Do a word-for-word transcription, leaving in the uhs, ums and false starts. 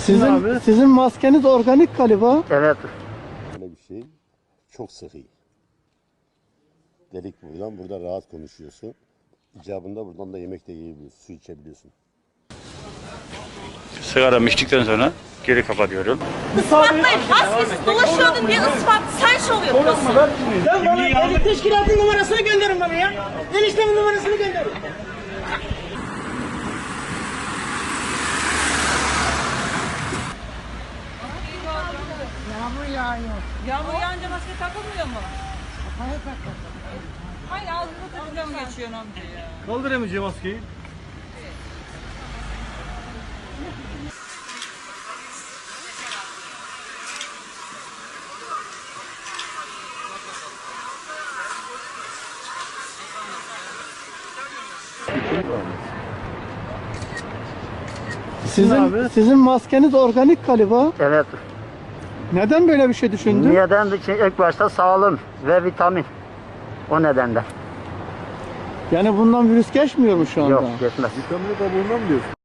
Sizin abi. Sizin maskeniz organik galiba. Evet. Böyle bir şey çok sıhhi. Delik buradan, burada rahat konuşuyorsun. İcabında buradan da yemek de yiyebiliyorsun, su içebiliyorsun. Sigara içtikten sonra geri kapatıyorum. Ispatlayın. Maskesiz dolaşıyordun diye ispat. Sen şov yapıyorsun. Sen bana el teşkilatın numarasını gönderin bana ya. Eniştemin numarasını gönderin. Yağmur yağıyor. Yağmur yağınca maske takılmıyor mu? Hayır ağzını takınca mı geçiyorsun amca ya? Kaldır emici maskeyi. Sizin abi. Sizin maskeniz organik galiba. Evet. Neden böyle bir şey düşündün? Neden? İlk başta sağlığım ve vitamin. O nedenden. Yani bundan virüs geçmiyor mu şu anda? Yok, geçmez. Vitamini kabuğundan mı diyorsun?